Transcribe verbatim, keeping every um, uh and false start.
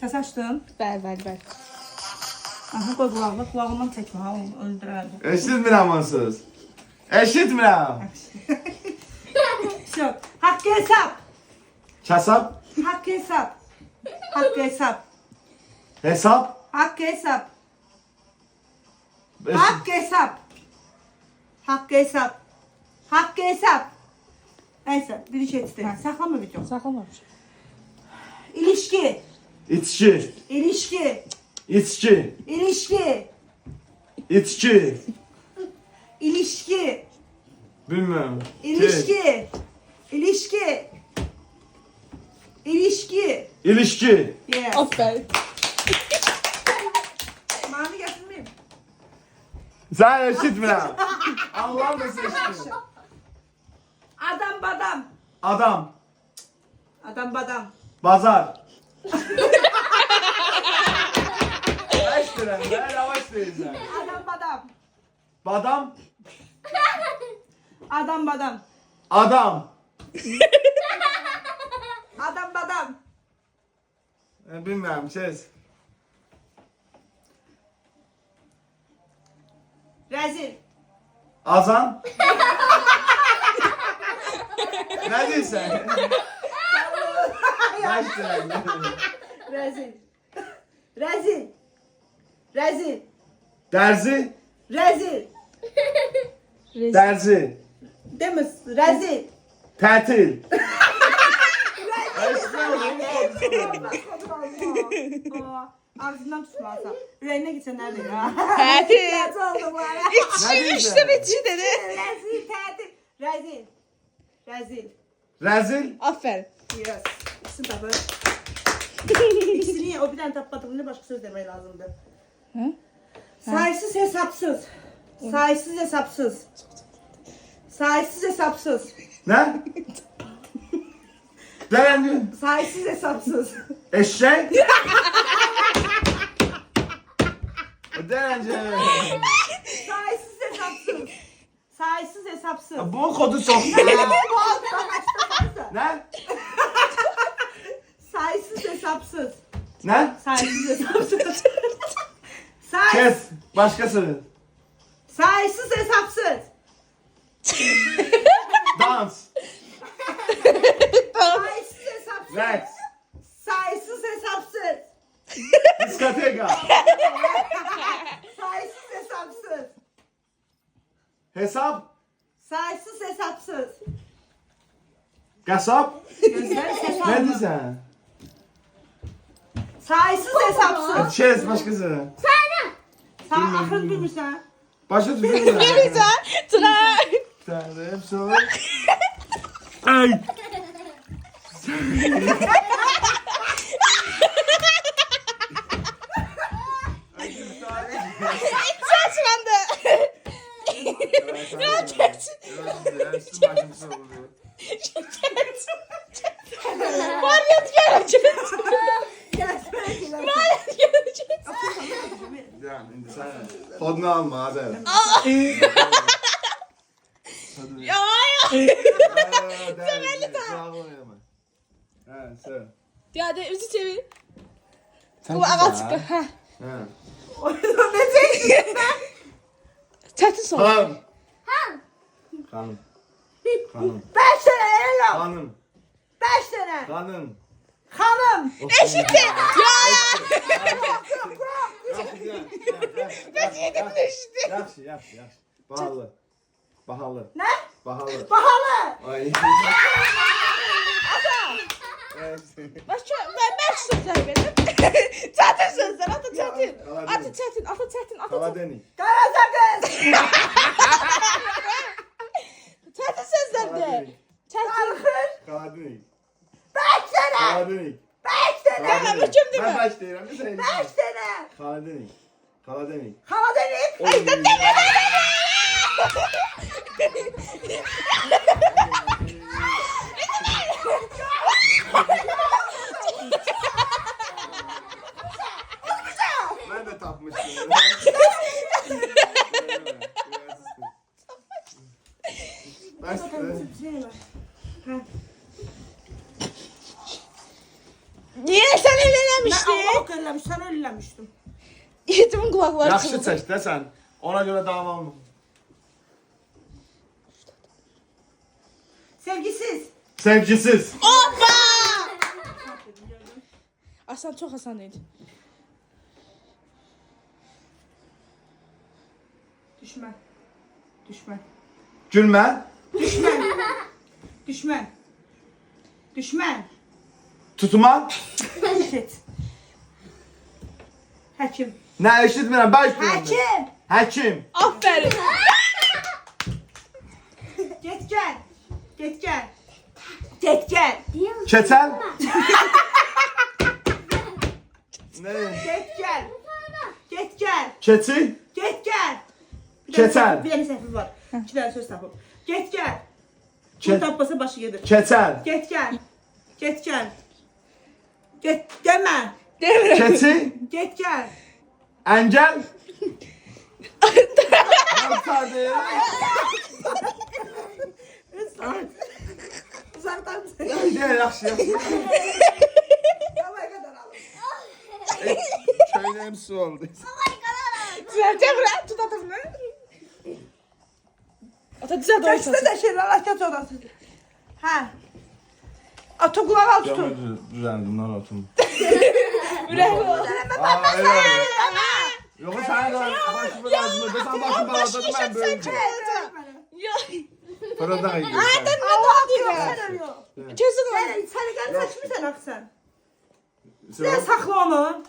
Səs açdın? Bəli, bəli, bəli. Aha, qoy qulağına, qulağından çəkmə, ha, onu öldürərdi. Eşitmirəm onsuz. Eşitmirəm. Şöp, haqqı hesab, Kasap. haqqı hesab, haqqı hesab, Hesap. haqqı hesab, Eşit. haqqı hesab, haqqı hesab, haqqı hesab. Neyse, bir iş etdi. Saklama video. Saxlamamış. İlişki, İçki. ilişki, İçki. ilişki, İçki. ilişki, Bilmem. ilişki, ilişki, ilişki. İlişki. Yes. Aferin. Mami getirmeyeyim. Sen eşitmirəm. Allah'ım da seçtim. Adam badam, Adam. adam badam. Bazar. Eşitmirəm. Ben yavaş deyirsən. Adam badam, Badam. adam badam, Adam. adam badam. E, Bilmem ses. Rezil, Azan. Ne diyorsun? Eşitmirəm. rezil, rezil, rezil, Derzi. rezil. Derzi. Demiş, rezil. Tətil. Eşitmirəm. Ağzından tutmazsan. Ürəyinə gitsen nerede ya? Tətil. Tətil oldu bu ara. İçi, üçte biçi dedi. Rezil, tətil. Rezil, rezil. Rezil. Aferin. Yes. İkisini tapır. İkisini o bir tane tapmadım. Ne başka söz demeyi lazımdı. Hı? Sayısız hesapsız. Sayısız hesapsız. Sayısız hesapsız. Ne? Derence. Sayısız hesapsız. Eşek. Derence. Sayısız hesapsız. Sayısız hesapsız. Bu kodu çok. Ne? Sayısız hesapsız. Ne? Sayısız hesapsız. Say Kes. Başkası. sayısız hesapsız. Dans. Sayısız hesapsız. Rex. Sayısız hesapsız. Diskoteka. Sayısız hesapsız. Hesap. Sayısız hesapsız. Kasap. Gözler ses Ne alma. diyorsun? Sayısız hesapsız. Kes başkası. Sen akıl bilmirsən. Başka tüfeği. Güzel. Tuna. Tanrı hepsi olur. Ay. Saçlandı. Varyat gelecek. Varyat gelecek. Kodunu alma hadi. Ya ya. Severli daha. Evet, sen. Ya de üzü çevir. Sen Bu ağa çıktı. Ha. Ha. O yüzden ne çektin? Çetin son. Hanım. Hanım. Hanım. Beş tane el yok. Hanım. Beş tane. Hanım. Hanım. Eşitti. Ya. Ben yedim de eşitti. Yaxşı, yaxşı, yaxşı. Bahalı. Bahalı. Ne? Bahalı. Pahalı. Ay. Başka ben ben sözler verdim. Çetin sözler. Atı çetin. Atı çetin. Atı çetin. Atı çetin. Kaladeni. Karazakız. Çetin sözler de. Çetin. Kalkır. Kaladeni. Beş tane. Kaladeni. Beş tane. Ben hüküm değil Ben mi? baş deyirəm, bir saniye. Beş tane. Kaladeni. Kaladeni. Karadeniz. Ay, dur, Ben de tapmıştım. Başka. Niye sen el Ben eləmişdin? Allah eləmiş, sən öyle eləmişdim. Yetimin kulakları Yaxşı çınladı. çək də sən. Ona görə davam. Sevgisiz. Sevgisiz. Hoppa! Asan çok asan idi. Düşmən. Düşmən. Gülmə. Düşmən. Düşmən. Düşmən. Tutma. Eşit. Həkim. Nə eşitmirəm, baş görürəm. Həkim. Həkim. Aferin. Get gəl. Get gəl. Get gəl. Keçəl. Nə? Get gəl. Get gəl. Keçi. Get gəl. Bir Keçəl. dənə səhv- Bir dənə səhvi var. İki dənə söz tapıb. Get gəl. Ke- Bu tapmasa başı gedir. Keçəl. Get gəl. Get gəl. Get demə. Demirəm. Keçi. Get gəl. Əngəl. Hamsadır. Uzaqdan sən. Deyir, yaxşı, yaxşı. Yavaş qədər alın. Köynəyim su oldu. Sen Demirəm tut atını. Ata düzelt Çəksə ortasını. də şeylər açaq orası. Hə. Ata qulaq al tutun. Düzəldim, narahatım. Ürək ol. Aa, elə. Yox, sən də başımı lazımdır. Sən başımı bağladın, mən böyüdüm. Yok. Fırıldak ediyorsun. Allah deyirəm. Kesin o. Sən sən gəl seçmirsən axı sən. Sen Sən saxla onu.